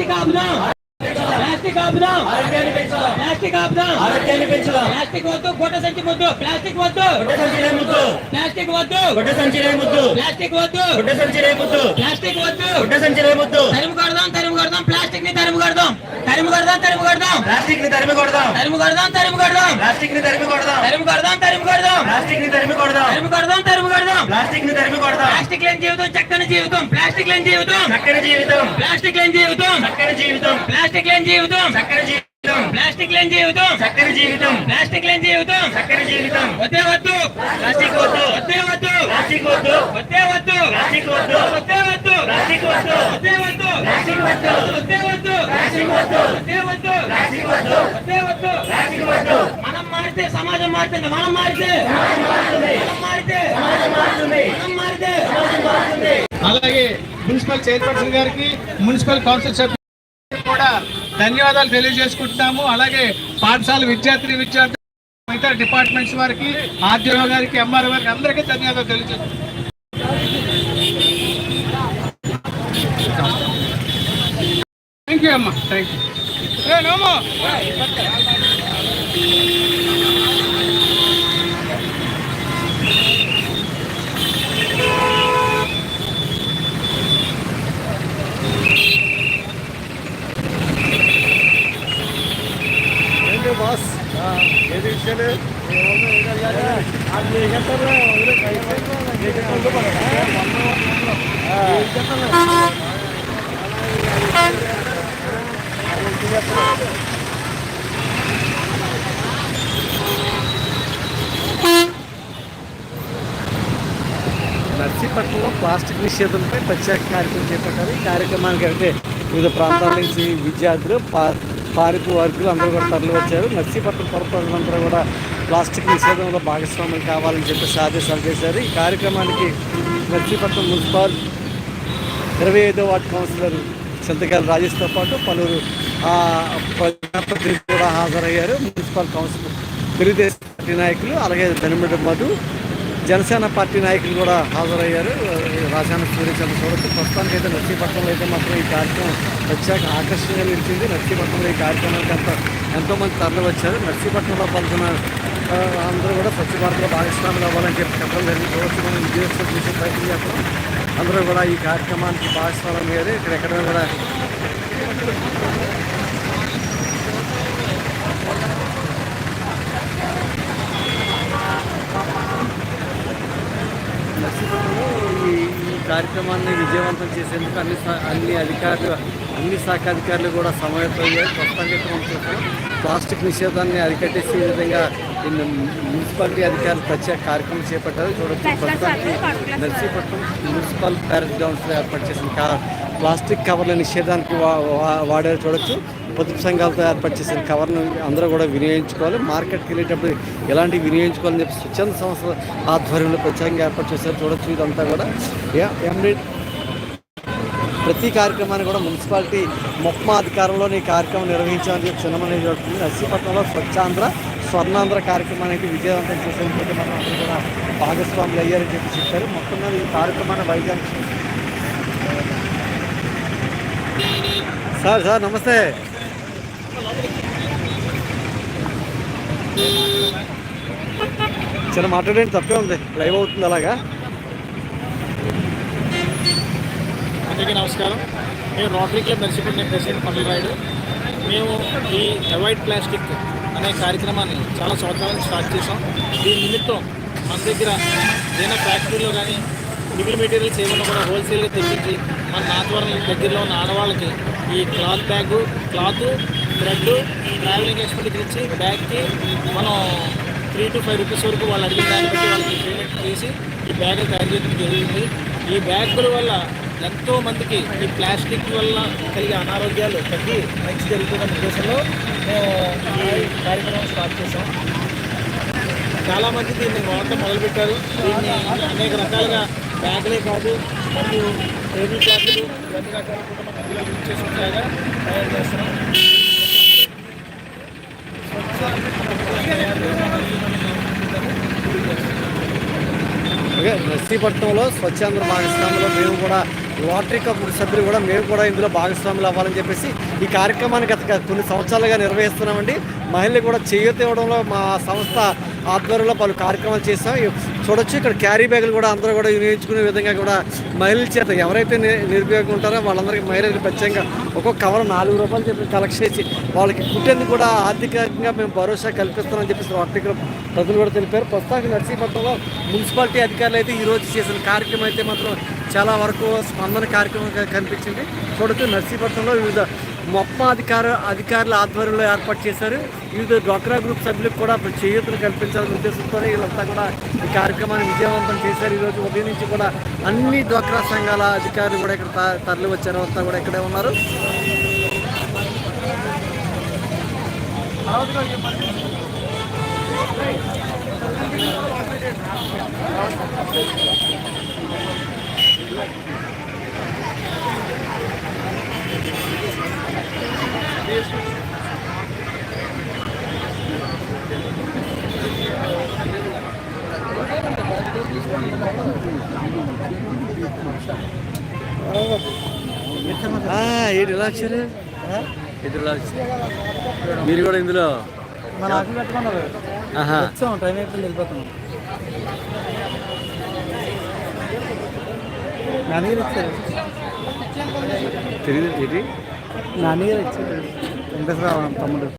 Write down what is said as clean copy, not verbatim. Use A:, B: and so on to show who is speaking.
A: Plastic ఆపుదాం, plastic ఆపుదాం, plastic ఆపుదాం, ప్లాస్టిక్ వద్దు, గుడ్డ సంచి వద్దు, ప్లాస్టిక్ వద్దు, ప్లాస్టిక్ వద్దు, ప్లాస్టిక్ వద్దు, ప్లాస్టిక్ వద్దు, తరిమి కొడదాం, తరిమి కొడదాం, ప్లాస్టిక్ ని తరిమి కొడదాం, తరిమి కొడదాం, తరిమి కొడదాం, ప్లాస్టిక్ ని తరిమి కొడదాం, తరిమి కొడదాం, తరిమి కొడదాం, ప్లాస్టిక్ ని తరిమి కొడదాం, తరిమి కొడదాం, తరిమి కొడదాం, ప్లాస్టిక్ ని తరిమి కొడదాం, తరిమి కొడదాం, తరిమి కొడదాం, ప్లాస్టిక్ ని తరిమి కొడదాం. ప్లాస్టిక్ లేని జీవితం చక్కని జీవితం, ప్లాస్టిక్ లేని జీవితం చక్కని జీవితం, ప్లాస్టిక్ లేని జీవితం చక్కని జీవితం, ప్లాస్టిక్ లేని జీవితం చక్కని జీవితం, ప్లాస్టిక్ లేని జీవితం చక్కని జీవితం, ప్లాస్టిక్ లేని జీవితం చక్కని జీవితం. వద్దే వద్దు ప్లాస్టిక్ వద్దు, వద్దే వద్దు ప్లాస్టిక్ వద్దు, వద్దే వద్దు ప్లాస్టిక్ వద్దు, వద్దే వద్దు ప్లాస్టిక్ వద్దు, వద్దే వద్దు ప్లాస్టిక్ వద్దు, వద్దే వద్దు ప్లాస్టిక్ వద్దు, వద్దే వద్దు ప్లాస్టిక్ వద్దు, వద్దే వద్దు ప్లాస్టిక్ వద్దు. మనం మారితే సమాజం మారుతుంది, మనం మారితే సమాజం మారుతుంది, మనం మారితే సమాజం మారుతుంది, మనం మారితే సమాజం మారుతుంది.
B: అలాగే మున్సిపల్ చైర్పర్సన్ గారికి, మున్సిపల్ కౌన్సిల్ సభ్యులకు కూడా ధన్యవాదాలు తెలియజేసుకుంటున్నాము. అలాగే పాఠశాల విద్యార్థులు ఇతర డిపార్ట్మెంట్స్ వారికి, ఆర్డీఓ గారికి, ఎంఆర్ఓ గారికి అందరికీ ధన్యవాదాలు తెలియజేస్తున్నాం. థ్యాంక్ యూ అమ్మా, థ్యాంక్ యూ.
C: बस ये विषय నర్సీపట్నంలో ప్లాస్టిక్ నిషేధంపై ప్రత్యేక కార్యక్రమం చేపట్టారు. ఈ కార్యక్రమానికి అయితే వివిధ ప్రాంతాల నుంచి విద్యార్థులు, పారిపు వర్గులు అందరూ కూడా తరలి వచ్చారు. నర్సీపట్నం పురప్రజలందరూ కూడా ప్లాస్టిక్ నిషేధంలో భాగస్వామ్యం కావాలని చెప్పేసి ఆదేశాలు చేశారు. ఈ కార్యక్రమానికి నర్సీపట్నం మున్సిపల్ 25వ వార్డు కౌన్సిలర్ చింతకాయల రాజేష్తో పాటు పలువురు ప్రజాప్రతినిధులు కూడా హాజరయ్యారు. మున్సిపల్ కౌన్సిలర్, తెలుగుదేశం పార్టీ నాయకులు, అలాగే ధనిమిడి మధు, జనసేన పార్టీ నాయకులు కూడా హాజరయ్యారు. రాజాన సూర్యచంద్ర చూడొచ్చు. ప్రస్తుతానికి అయితే నర్సీపట్నంలో అయితే మాత్రం ఈ కార్యక్రమం ప్రత్యేక ఆకర్షణగా నిలిచింది. నర్సీపట్నంలో ఈ కార్యక్రమానికి ఎంతోమంది తరలి వచ్చారు. నర్సీపట్నంలో పాల్గొన్న అందరూ కూడా స్వచ్ఛ భారత్లో భాగస్వాములు అవ్వాలని చెప్పి చెప్పడం జరిగింది. చూడొచ్చు, మనం విజయోత్సవం చేసే ప్రయత్నం చేస్తాం. అందరూ కూడా ఈ కార్యక్రమానికి భాగస్వామ్యం అయ్యారు. ఇక్కడెక్కడ కూడా నర్సీపట్నంలో ఈ కార్యక్రమాన్ని విజయవంతం చేసేందుకు అన్ని అధికారులు, అన్ని శాఖ అధికారులు కూడా సమావేశమయ్యారు. ప్రస్తుతానికి మనం చూస్తాం ప్లాస్టిక్ నిషేధాన్ని అరికట్టేసే విధంగా మున్సిపాలిటీ అధికారులు ప్రత్యేక కార్యక్రమం చేపట్టారు. చూడొచ్చు, ప్రస్తుతానికి నర్సీపట్నం మున్సిపల్ ప్యారెడ్ గ్రౌండ్స్లో ఏర్పాటు చేసిన ప్లాస్టిక్ కవర్ల నిషేధానికి వాడారు. చూడొచ్చు, పొదుపు సంఘాలతో ఏర్పాటు చేసిన కవర్ను అందరూ కూడా వినియోగించుకోవాలి. మార్కెట్కి వెళ్ళేటప్పుడు ఎలాంటివి వినియోగించుకోవాలని చెప్పి స్వచ్ఛంద సంస్థ ఆధ్వర్యంలో ప్రత్యేకంగా ఏర్పాటు చేశారు. చూడొచ్చు, ఇదంతా కూడా ప్రతి కార్యక్రమాన్ని కూడా మున్సిపాలిటీ మొక్మా అధికారంలోని ఈ కార్యక్రమం నిర్వహించాలని చెప్పి చిన్నమని జరుగుతుంది. నర్సీపట్నంలో స్వచ్ఛాంధ్ర, స్వర్ణాంధ్ర కార్యక్రమానికి విజయవంతం చేసేందుకు మనం అందరూ కూడా భాగస్వాములు అయ్యారని చెప్పి చెప్పారు. మొత్తం మీద ఈ కార్యక్రమాన్ని వైజాగ్ సార్ నమస్తే. చిన్న మాట్లాడేది తప్పే ఉంది, లైవ్ అవుతుంది అలాగా.
D: అందరికీ నమస్కారం. మేము రోటరీ క్లబ్ నర్సీపట్నం ప్రెసిడెంట్ పల్లి రాయుడు. మేము ఈ అవాయిడ్ ప్లాస్టిక్ అనే కార్యక్రమాన్ని చాలా సంవత్సరాల నుంచి స్టార్ట్ చేసాం. దీని నిమిత్తం మన దగ్గర ఏదైనా ఫ్యాక్టరీలో కానీ మిగిలిన మెటీరియల్స్ ఏమైనా కూడా హోల్సేల్గా తెప్పించి మన నాతవరం దగ్గరలో ఉన్న ఆడవాళ్ళకి ఈ cloth bag, cloth, thread, travelling expenditure ఇచ్చి బ్యాగ్కి మనం 3 to 5 రూపీస్ వరకు వాళ్ళు అడిగిన దాన్ని బట్టి వాళ్ళకి పేమెంట్ చేసి ఈ బ్యాగులు తయారు చేయడం జరుగుతుంది. ఈ బ్యాగుల వల్ల ఎంతోమందికి ఈ ప్లాస్టిక్ వల్ల కలిగే అనారోగ్యాలు తగ్గి మంచి జరుగుతున్న ఉద్దేశంలో మేము ఈ కార్యక్రమం స్టార్ట్ చేసాం. చాలామంది దీన్ని మొదలుపెట్టారు. దీన్ని అనేక రకాలుగా బ్యాగులే కాదు, మరియు టేబుల్ క్లాత్లు, ఇవన్నీ రకాల కుటుంబ మధ్యలో యూజ్ చేసి ఉంటాయిగా తయారు చేస్తున్నాం.
C: నర్సీపట్నంలో స్వచ్ఛాంధ్ర భాగస్వామ్యంలో మేము కూడా రోటరీ కమిటీ సభ్యులు కూడా మేము కూడా ఇందులో భాగస్వాములు అవ్వాలని చెప్పేసి ఈ కార్యక్రమాన్ని గత కొన్ని సంవత్సరాలుగా నిర్వహిస్తున్నామండి. మహిళలు కూడా చేయూత ఇవ్వడంలో మా సంస్థ ఆధ్వర్యంలో పలు కార్యక్రమాలు చేస్తాం. చూడొచ్చు ఇక్కడ క్యారీ బ్యాగులు కూడా అందరూ కూడా వినియోగించుకునే విధంగా కూడా మహిళల చేత ఎవరైతే నిరుపయోగం ఉంటారో వాళ్ళందరికీ మహిళలకు ప్రత్యేకంగా ఒక్కొక్క కవర్ ₹4 చెప్పి కలెక్ట్ చేసి వాళ్ళకి కుట్టేందుకు కూడా ఆర్థికంగా మేము భరోసా కల్పిస్తామని చెప్పేసి రోటరీ క్లబ్ ప్రజలు కూడా తెలిపారు. ప్రస్తుతానికి నర్సీపట్నంలో మున్సిపాలిటీ అధికారులు అయితే ఈరోజు చేసిన కార్యక్రమం అయితే మాత్రం చాలా వరకు స్పందన కార్యక్రమం కనిపించింది. చూడొచ్చు నర్సీపట్నంలో వివిధ మొత్తం అధికారుల ఆధ్వర్యంలో ఏర్పాటు చేశారు. వివిధ డ్వాక్రా గ్రూప్ సభ్యులకు కూడా చేయూతను కల్పించాలనే ఉద్దేశంతో వీళ్ళంతా కూడా ఈ కార్యక్రమాన్ని విజయవంతం చేశారు. ఈరోజు ఉదయం నుంచి కూడా అన్ని డ్వాక్రా సంఘాల అధికారులు కూడా ఇక్కడ తరలి వచ్చారు. అంతా కూడా ఇక్కడే ఉన్నారు. ఏంటి ఇలా వచ్చారు? మీరు కూడా ఇందులో
A: టైం అయిపోయింది, వెళ్ళిపోతున్నాం. నాన్నగారు ఇచ్చారు,
C: తెలియదు ఏంటి
A: నాన్నగారు ఇచ్చారు. వెంకటేశ్వరరావు తమ్ముడు.